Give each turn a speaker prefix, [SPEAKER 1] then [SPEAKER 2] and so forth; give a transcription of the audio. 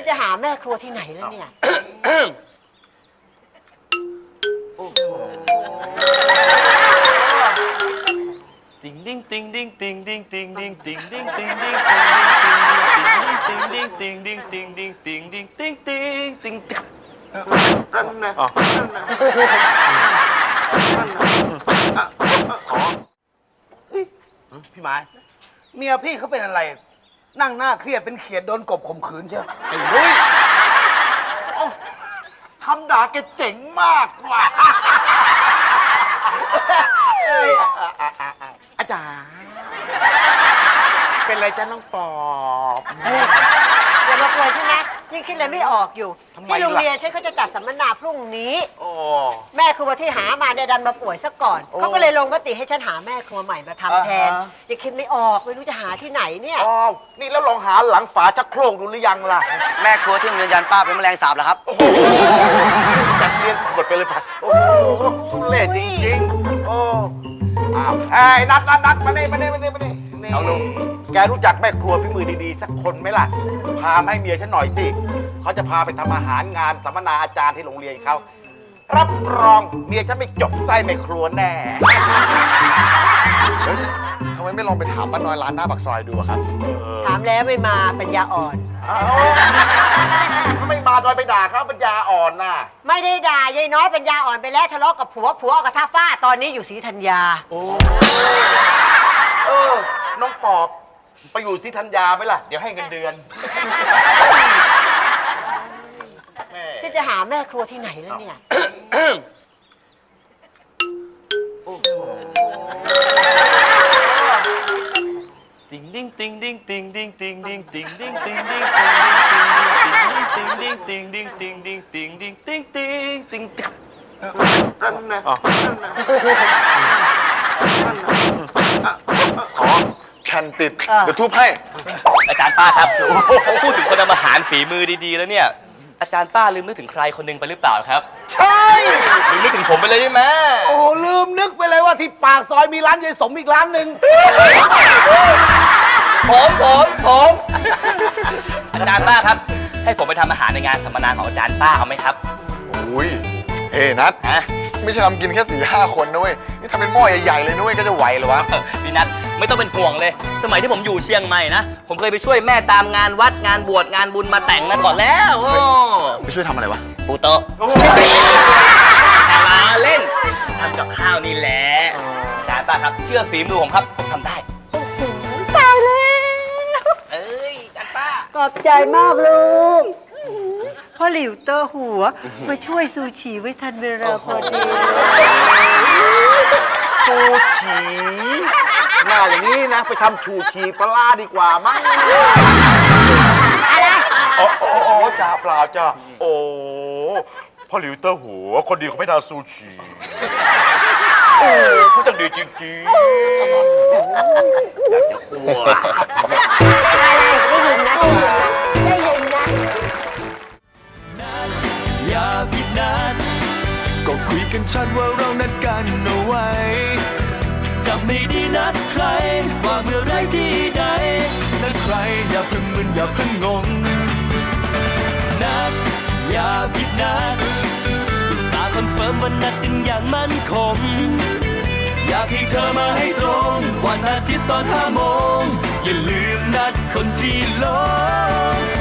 [SPEAKER 1] จะหาแม่ครัวที่ไหนแล้วเนี่ย
[SPEAKER 2] ติงดิ้งติงดิ้งติงดิ้งติงดิ้งติงดิ้งติงดิ้งติงดิ้งติงดิ้งติงดิ้งติงดิ้งติงดิ้งติงดิ้ง
[SPEAKER 3] นั่นนะพี่หมายเมียพี่เขาเป็นอะไรนั่งหน้าเครียดเป็นเขียดโดนกบข่มขืนเชียวไอ้ลุยคำด่าแกเจ๋งมากว่ะอาจารย์เป็นไรจ้าน้องปอบ
[SPEAKER 1] อย่ามากวนฉันนะยิ่งคิดอะไรไม่ออกอยู่ที่โรงเรียนฉันเขาจะจัดสัมมนาพรุ่งนี้แม่ครัวที่หามาเนี่ยดันมาป่วยซะก่อนเขาก็เลยลงมติให้ฉันหาแม่ครัวใหม่มาทำแทนยังคิดไม่ออกไม่รู้จะหาที่ไหนเนี่ย
[SPEAKER 3] นี่แล้วลองหาหลังฝาชักโครกดูหรือยังล่ะ
[SPEAKER 4] แม่ครัวที่โรงเรียนยันป้าเป็นแมลงสาบเหรอครับ
[SPEAKER 3] จัดเรียนกดไปเลยป่ะโอ้โหทุเรศจริงๆโอ้ไอ้นัดมานี่เอาลุงแกรู้จักแม่ครัวฝีมือดีๆสักคนไหมล่ะพาให้เมียฉันหน่อยสิเขาจะพาไปทำอาหารงานสัมมนาอาจารย์ที่โรงเรียนเขารับรองเมียฉันไม่จบไส้แม่ครัวแน่
[SPEAKER 5] ทำไมไม่ลองไปถามป้าน้อยร้านหน้าปากซอยดูครับ
[SPEAKER 1] ถามแล้วไม่มาปัญญาอ่อน
[SPEAKER 3] เขาไม่มาจอยไปด่าเขาปัญญาอ่อนน่ะ
[SPEAKER 1] ไม่ได้ด่ายายน้อยปัญญาอ่อนไปแล้วทะเลาะกับผัวกับท่าฟ้าตอนนี้อยู่ศรีธัญญา
[SPEAKER 3] น้องปอบไปอยู่ศรีธัญญาไหมล่ะเดี๋ยวให้เงินเดือน
[SPEAKER 1] ฉันจะหาแม่ครัวที่ไหนแล้วเนี่ย
[SPEAKER 2] ติงดิ้งติงดิ้งติงดิ้งติงดิ้งติงดิ้งติงดิ้งติงดิ้งติงดิ้งติงดิ้งติงดิ้งติงดิ้งติงดิ้ง
[SPEAKER 3] นั่นนะ
[SPEAKER 5] แคนติดเดี๋ยวทุบให้
[SPEAKER 2] อาจารย์ป้าครับพูดถึงคนทำอาหารฝีมือดีๆแล้วเนี่ยอาจารย์ป้าลืมนึกถึงใครคนหนึ่งไปหรือเปล่าครับ
[SPEAKER 3] ใช่
[SPEAKER 2] ลืมนึกถึงผมไปเลยใช่ไหม
[SPEAKER 3] โอ้ลืมนึกไปเลยว่าที่ปากซอยมีร้านยายสมอีกร้านหนึ่ง
[SPEAKER 2] ผมอาจารย์ป้าครับให้ผมไปทำอาหารในงานสัมมนาของอาจารย์ป้าเอาไหมครับ
[SPEAKER 5] อุ้ยนัทไม่ใช่ทำกินแค่4-5 คนนะเว้ยนี่ทำเป็นหม้อใหญ่ๆเลยนุ้ยก็จะไหวเหรอวะ
[SPEAKER 2] พี่นัทไม่ต้องเป็นห่วงเลยสมัยที่ผมอยู่เชียงใหม่นะผมเคยไปช่วยแม่ตามงานวัดงานบวชงานบุญมาแต่งมาก่อนแล้ว
[SPEAKER 5] ไปช่วยทำอะไรวะ
[SPEAKER 2] ปูโต๊ะมาเล่นทำกับข้าวนี่แหละอาจารย์ป้าครับเชื่อฝีมือผมครับผมทำได้
[SPEAKER 1] ตายเลย
[SPEAKER 2] อาจารย์ป้า
[SPEAKER 1] ขอบใจมากลูกพ่อหลิวเตอร์หัวมาช่วยซูชิไว้ทันเวลาพอดี
[SPEAKER 3] ซูชิหน้าอย่างนี้นะไปทำชูชีปลาดีกว่ามั้ง
[SPEAKER 1] อะไร
[SPEAKER 3] โอ้จ่าเปล่าจ้าโอ้พ่อหลิวเตอร์หัวคนดีเขาไม่ทำซูชิโอ้เขาจังดีจริงๆอยากจะกลัว
[SPEAKER 1] อะไรได้ยินนะ
[SPEAKER 6] อย่าผิดนัดก็คุยกันชัดว่าเรานัดกันเอาไว้จะไม่ได้นัดใครว่าเมื่อไรที่ใดนัดใครอย่าเพิ่งมึนอย่าเพิ่งงงนัดอย่าผิดนัดอุตส่าห์คอนเฟิร์มว่านัดกันอย่างมั่นคงอยากให้เธอมาให้ตรงวันอาทิตย์ตอน5 โมงอย่าลืมนัดคนที่หลง